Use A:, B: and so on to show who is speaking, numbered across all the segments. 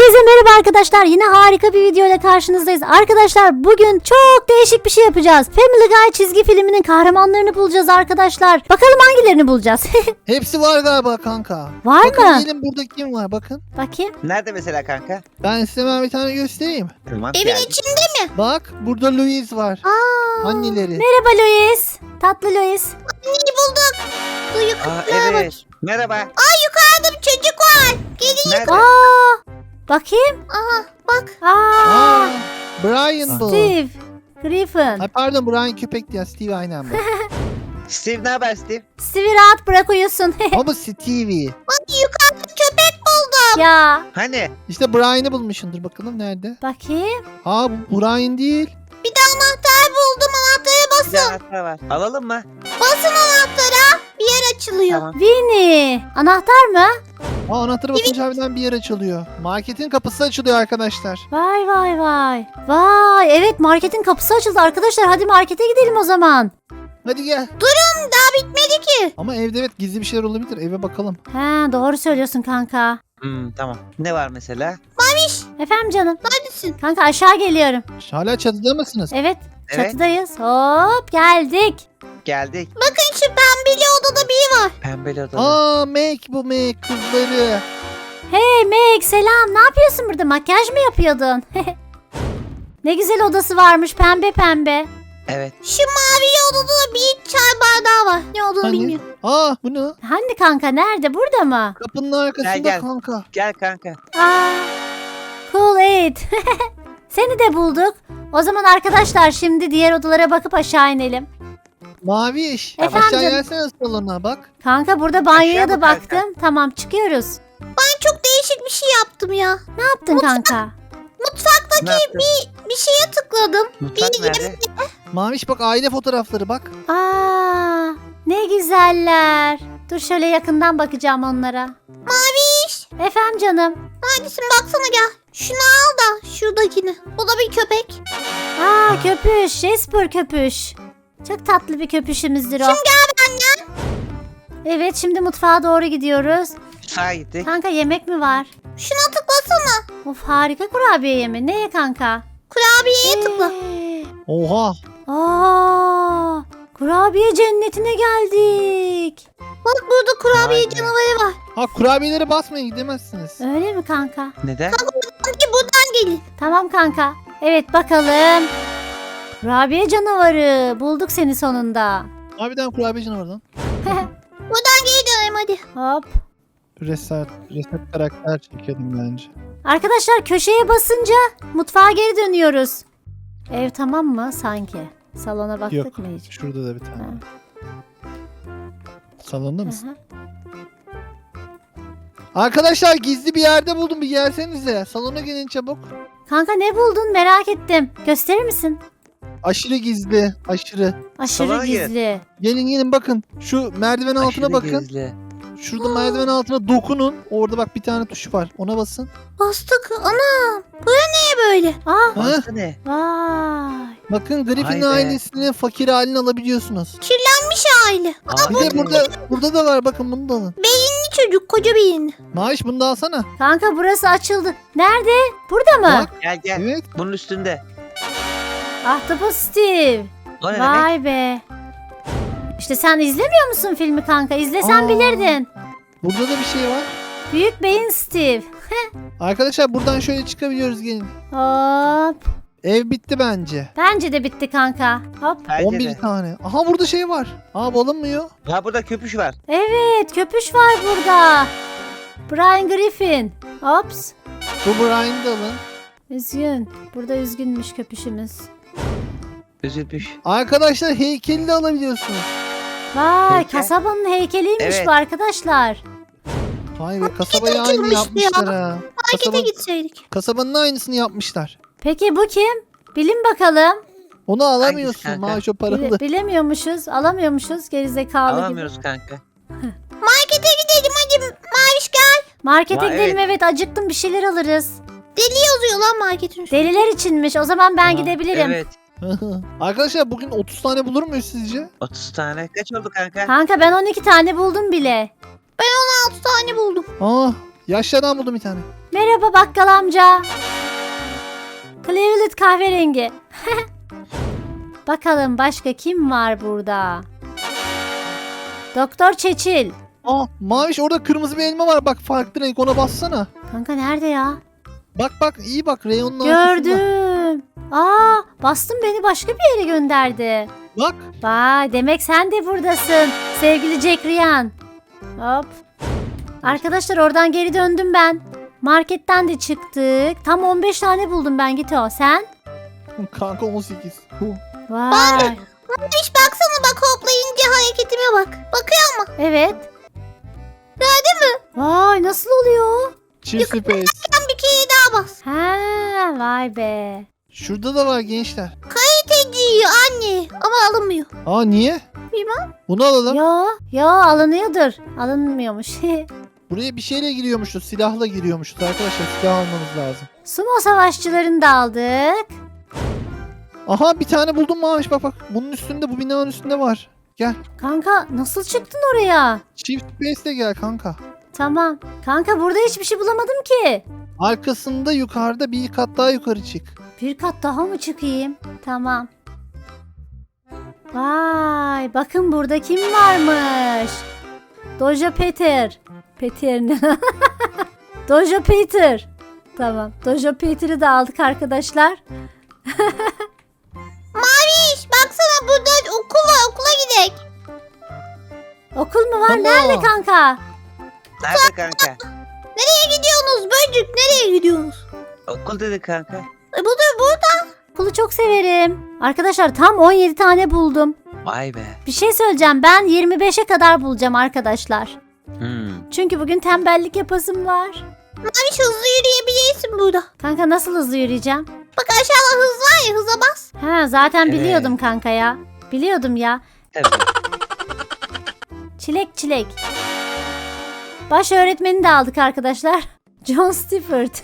A: Hepinize merhaba arkadaşlar. Yine harika bir video ile karşınızdayız. Arkadaşlar bugün çok değişik bir şey yapacağız. Family Guy çizgi filminin kahramanlarını bulacağız arkadaşlar. Bakalım hangilerini bulacağız.
B: Hepsi var galiba kanka.
A: Var
B: bakın
A: mı?
B: gelin burada kim var bakın.
A: Bakayım.
C: Nerede mesela kanka?
B: Ben size hemen bir tane göstereyim.
C: Tamam,
D: Evin
C: geldim.
D: içinde mi?
B: Bak burada Louise var. Anneleri.
A: Merhaba Louis. Tatlı Louis.
D: Anneyi bulduk. Dur
C: Aa,
D: yukarıya bak.
C: evet. Merhaba.
D: Yukarıda bir çocuk var. Gelin.
C: Nerede?
A: Bakayım.
D: Aha bak.
B: Aa, Brian bu.
A: Steve Griffin.
B: Ay pardon Brian köpek diye Steve aynen bu.
C: Steve ne haber Steve?
A: Steve'i rahat bırak uyusun.
B: Ama bu Stevie.
D: Yukarıda köpek buldum.
A: Ya.
C: Hani?
B: İşte Brian'ı bulmuşsundur bakalım nerede?
A: Bakayım.
B: Aa bu Brian değil.
D: Bir de anahtar buldum. Anahtara
C: Bir
D: basın.
C: de anahtar var. Alalım mı?
D: Basın anahtara. Bir yer açılıyor.
C: Tamam.
A: Winnie. Anahtar mı?
B: Aa anahtarı basınca harbiden bir yer açılıyor. Marketin kapısı açılıyor arkadaşlar.
A: Vay vay vay. Vay evet marketin kapısı açıldı arkadaşlar. Hadi markete gidelim o zaman.
B: Hadi gel.
D: Daha bitmedi ki.
B: Ama evde evet gizli bir şeyler olabilir. Eve bakalım.
A: He doğru söylüyorsun kanka.
C: Tamam. Ne var mesela?
A: Efendim canım.
D: Neredesin?
A: Kanka aşağı geliyorum.
B: Hala çatıda mısınız?
A: Evet
C: Evet.
A: çatıdayız. Hop geldik.
C: Geldik.
D: Bakın şu pembeli odada biri var.
C: Pembeli odada.
B: Aa Meg bu Meg kızları.
A: Hey Meg selam. Ne yapıyorsun burada? Makyaj mı yapıyordun? Ne güzel odası varmış pembe pembe.
C: Evet.
D: Şu mavi odada da bir çay bardağı var. Ne olduğunu
B: Hani?
D: bilmiyorum.
B: Aa bu ne?
A: Hani kanka nerede? Burada mı?
B: Kapının arkasında
C: gel.
B: kanka.
C: Gel kanka.
A: Aa, cool it. Seni de bulduk. O zaman arkadaşlar şimdi diğer odalara bakıp aşağı inelim.
B: Mavi iş.
A: Efendim?
B: Aşağı gelsene salona bak.
A: Kanka burada banyoya
C: Aşağı
A: da
C: mı kanka?
A: baktım. Tamam çıkıyoruz.
D: Ben çok değişik bir şey yaptım ya.
A: Ne yaptın kanka?
D: Mutfaktaki
C: Ne yaptın?
D: bir şeye tıkladım.
C: Mutfak
D: Bir
C: nerede?
B: Maviş bak aile fotoğrafları bak.
A: Aa, ne güzeller. Dur şöyle yakından bakacağım onlara.
D: Maviş.
A: Efendim canım.
D: Neredesin baksana gel. Şunu al da şuradakini. O da bir köpek.
A: Aa köpüş. Jasper köpüş. Çok tatlı bir köpüşümüzdür o.
D: Şimdi gel benden.
A: Evet şimdi mutfağa doğru gidiyoruz.
C: Mutfağa gittik.
A: Kanka yemek mi var?
D: Şuna tıklasana.
A: Of harika kurabiye yemi. Neye kanka?
D: Kurabiyeye tıkla.
B: Oha.
A: Aa, kurabiye cennetine geldik.
D: Bak burada kurabiye
C: Vay be.
D: canavarı var.
B: Ha kurabiyeleri basmayın gidemezsiniz.
A: Öyle mi kanka?
C: Neden?
D: Hadi buradan gelin.
A: Tamam kanka. Evet bakalım. Kurabiye canavarı. Bulduk seni sonunda.
B: Harbiden kurabiye canavardan.
D: Buradan geri dönelim hadi.
A: Hop.
B: Reset karakter çekelim bence.
A: Arkadaşlar köşeye basınca mutfağa geri dönüyoruz. Ev tamam mı sanki? Salona baktık
B: Yok.
A: mı hiç?
B: Şurada da bir tane.
A: Ha.
B: Salonda mısın?
A: Aha.
B: Arkadaşlar gizli bir yerde buldum bir gelsenize. Salona gelin çabuk.
A: Kanka ne buldun merak ettim. Gösterir misin?
B: Aşırı gizli. Aşırı.
A: Aşırı
C: Salona gir.
A: gizli.
B: Gelin bakın. Şu merdiven altına
C: Aşırı
B: bakın.
C: gizli.
B: Şurada merdiven altına dokunun. Orada bak bir tane tuş var. Ona basın.
D: Bastık. Ana. Bura neye böyle?
A: Aa,
C: Burası ne?
A: vay.
B: Bakın Griffin
C: Vay be.
B: ailesinin fakir halini alabiliyorsunuz.
D: Kirlenmiş aile.
C: Aa,
B: Bir de burada da var bakın bunu da alın.
D: Beyinli çocuk koca beyinli.
B: Maaş bunu da alsana.
A: Kanka burası açıldı. Nerede? Burada mı?
B: Bak.
C: Gel gel.
B: Evet.
C: Bunun üstünde.
A: Ahtapot Steve.
C: O ne demek?
A: Vay be. İşte sen izlemiyor musun filmi kanka? İzlesen
B: Aa.
A: bilirdin.
B: Burada da bir şey var.
A: Büyük beyin Steve.
B: Arkadaşlar buradan şöyle çıkabiliyoruz gelin.
A: Hop.
B: Ev bitti bence.
A: Bence de bitti kanka. Hop.
C: Bence
B: 11
C: de.
B: tane. Aha burada şey var. Aa bu alınmıyor.
C: Ha burada köpüş var.
A: Evet köpüş var burada. Brian Griffin. Ops.
B: Bu Brian'ı da alın.
A: Üzgün. Burada üzgünmüş köpüşümüz.
C: Üzülmüş.
B: Arkadaşlar heykeli de alabiliyorsunuz.
A: Vay
C: Heykel.
A: kasabanın heykeliymiş
C: Evet.
A: bu arkadaşlar.
B: Vay be kasabayı aynı
D: açılmıştı
B: yapmışlar ha.
D: Markete gitseydik.
B: Kasabanın aynısını yapmışlar.
A: Peki bu kim? Bilin bakalım.
B: Onu alamıyorsun
C: kanka?
B: maaş o paralı.
A: Bilemiyormuşuz, alamıyormuşuz gerizekalı gibi.
C: Alamıyoruz kanka.
D: Markete gidelim hadi. Maviş gel.
A: Markete
C: Vay,
A: gidelim evet acıktım bir şeyler alırız.
D: Deli yazıyor lan marketin üstünde.
A: Deliler içinmiş o zaman ben
B: Aa,
A: gidebilirim.
C: Evet.
B: Arkadaşlar bugün 30 tane bulur muyuz sizce?
C: 30 tane. Kaç oldu kanka?
A: Kanka ben 12 tane buldum bile.
D: 6 tane buldum.
B: Aa Yaşlıdan buldum bir tane.
A: Merhaba bakkal amca. Cleveland kahverengi. Bakalım başka kim var burada? Doktor Çeçil.
B: Aa Maviş orada kırmızı bir elma var. Bak farklı renk, ona bassana.
A: Kanka nerede ya?
B: Bak iyi bak reyonun arkasında.
A: Gördüm. Aa, bastım beni başka bir yere gönderdi.
B: Bak.
A: Vay, demek sen de buradasın sevgili Jack Ryan. Hop. Arkadaşlar oradan geri döndüm ben. Marketten de çıktık. Tam 15 tane buldum ben, git o. Sen?
B: Kanka 18.
A: Vay.
D: Maviş baksana, bak hoplayınca hareketime bak. Bakıyor mu?
A: Evet.
D: Gördün mü?
A: Vay, nasıl oluyor?
B: Çift space.
D: Sen bir kere daha bas.
A: Ha, vay be.
B: Şurada da var gençler.
D: Teciyi anne. Ama alınmıyor.
B: Aa niye?
D: Bilmem.
B: Bunu alalım.
A: Yo alınıyordur. Alınmıyormuş.
B: Buraya bir şeyle giriyormuşuz. Silahla giriyormuşuz arkadaşlar. Silah almamız lazım.
A: Sumo savaşçılarını da aldık.
B: Aha bir tane buldum Maviş, bak. Bunun üstünde, bu binanın üstünde var. Gel.
A: Kanka nasıl çıktın oraya?
B: Çift space'le gel kanka.
A: Tamam. Kanka burada hiçbir şey bulamadım ki.
B: Arkasında yukarıda bir kat daha yukarı çık.
A: Bir kat daha mı çıkayım? Tamam. Vay, bakın burada kim varmış? Doja Peter. Peter ne? Doja Peter. Tamam. Doja Peter'ı da aldık arkadaşlar.
D: Maviş baksana, burada okul var, okula gidelim.
A: Okul mu var?
B: Tamam.
A: Nerede kanka?
C: Nerede kanka?
D: Nereye gidiyorsunuz böcük, nereye gidiyorsunuz?
C: Okul dedi kanka.
D: Burada.
A: Okulu çok severim. Arkadaşlar tam 17 tane buldum.
C: Vay be.
A: Bir şey söyleyeceğim. Ben 25'e kadar bulacağım arkadaşlar. Çünkü bugün tembellik yapasım var.
D: Maviş hızlı yürüyebilirsin burada.
A: Kanka nasıl hızlı yürüyeceğim?
D: Bak aşağıda hız var ya, hıza bas.
A: Ha, zaten
C: Evet.
A: biliyordum kanka ya. Biliyordum ya.
C: Tabii.
A: Çilek. Baş öğretmeni de aldık arkadaşlar. John Stewart.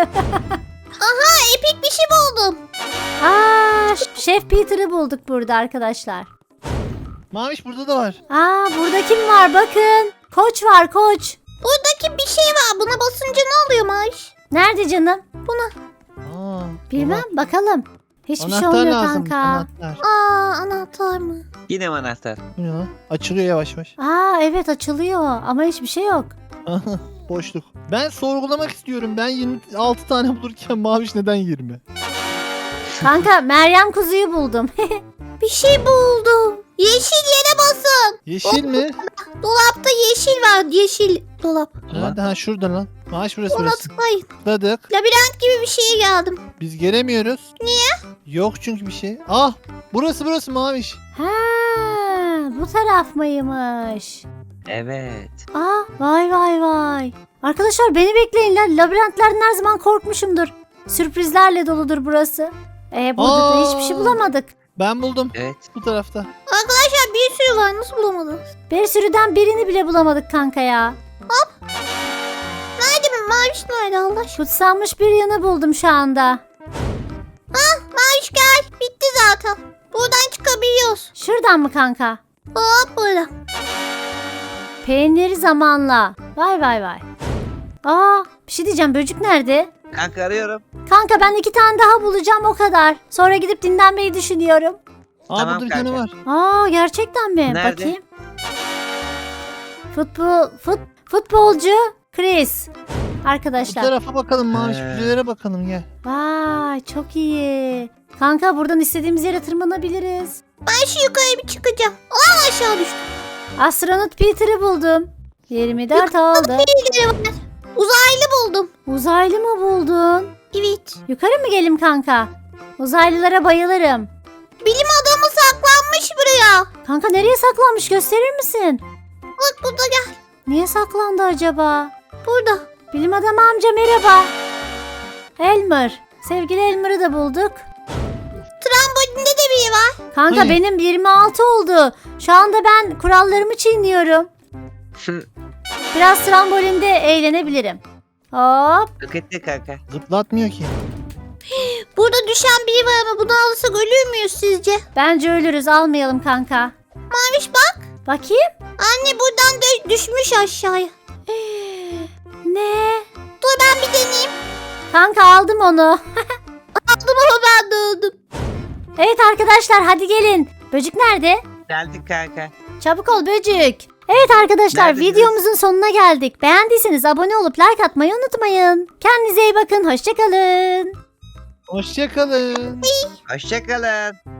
D: Epik bir şey buldum.
A: Aa, Şef Peter'ı bulduk burada arkadaşlar.
B: Maviş burada da var.
A: Aa, burada kim var bakın. Koç var, koç.
D: Buradaki bir şey var, buna basınca ne oluyor Maviş?
A: Nerede canım?
B: Aa,
A: Bilmem, bakalım. Hiçbir şey
B: Anahtar
A: olmuyor
B: lazım.
A: kanka.
B: Anahtar.
D: Anahtar mı?
C: Yine mi anahtar?
B: Bu ne lan? Açılıyor yavaş yavaş.
A: Aa, evet açılıyor ama hiçbir şey yok.
B: Boşluk. Ben sorgulamak istiyorum. Ben 26 tane bulurken Maviş neden 20?
A: Kanka Meryem kuzuyu buldum.
D: Bir şey buldum. Yeşil yere basın.
B: Yeşil mi?
D: Dolapta yeşil var, yeşil dolap.
B: Nerede? Ha şurada lan. Maviş burası
D: Ona
B: burası.
D: tıklayın.
B: Tıkladık.
D: Labirent gibi bir şeye geldim.
B: Biz gelemiyoruz. Niye? Yok çünkü bir şey. Ah burası Maviş.
A: Ha, bu taraf mıymış?
C: Evet.
A: Aa, vay. Arkadaşlar beni bekleyin lan. Labirentlerden her zaman korkmuşumdur. Sürprizlerle doludur burası. Burada da hiçbir şey bulamadık.
B: Ben buldum.
C: Evet.
B: Bu tarafta.
D: Arkadaşlar bir sürü var, nasıl bulamadınız?
A: Bir sürüden birini bile bulamadık kanka ya.
D: Nerede mi? Maviş nerede Allah aşkına?
A: Kutsanmış bir yanı buldum şu anda.
D: Maviş gel. Bitti zaten. Buradan çıkabiliyoruz.
A: Şuradan mı kanka?
D: Hop burada.
A: Peyniri zamanla. Vay. Aa, bir şey diyeceğim, böcük nerede?
C: Kanka arıyorum.
A: Kanka ben 2 tane daha bulacağım, o kadar. Sonra gidip dinlenmeyi düşünüyorum.
B: Aa
C: Tamam
B: burada bir tane
C: kanka.
B: var.
A: Aa, gerçekten mi?
C: Nerede?
A: Bakayım. Futbolcu Chris.
B: Bu
A: Arkadaşlar.
B: tarafa bakalım Maviş.
C: He.
B: Füzelere bakalım gel.
A: Vay, çok iyi. Kanka buradan istediğimiz yere tırmanabiliriz.
D: Ben şu yukarı bir çıkacağım. Aa, aşağı düştüm.
A: Astronot Peter'ı buldum. 24 oldu.
D: Birileri var. Uzaylı buldum.
A: Uzaylı mı buldun?
D: Evet.
A: Yukarı mı gelim kanka? Uzaylılara bayılırım.
D: Bilim adamı saklanmış buraya.
A: Kanka nereye saklanmış, gösterir misin?
D: Bak burada gel.
A: Niye saklandı acaba?
D: Burada.
A: Bilim adamı amca merhaba. Elmer. Sevgili Elmer'ı da bulduk.
D: Trambolinde de biri var.
A: Kanka
B: Hani?
A: benim 26 oldu. Şu anda ben kurallarımı çiğniyorum. Biraz trambolinde eğlenebilirim. Hop.
C: Roketle kanka.
B: Zıplatmıyor ki.
D: Burada düşen biri var ama bunu alırsak ölür müyüz sizce?
A: Bence ölürüz, almayalım kanka.
D: Maviş bak.
A: Bakayım.
D: Anne buradan düşmüş aşağıya.
A: Ne?
D: Dur ben bir deneyeyim.
A: Kanka aldım onu.
D: Aldım ama ben de öldüm.
A: Evet arkadaşlar hadi gelin. Böcük nerede?
C: Geldik kanka.
A: Çabuk ol böcük. Evet arkadaşlar
C: Neredesiniz?
A: videomuzun sonuna geldik. Beğendiyseniz abone olup like atmayı unutmayın. Kendinize iyi bakın. Hoşçakalın.
B: Hoşçakalın.
C: Hoşçakalın.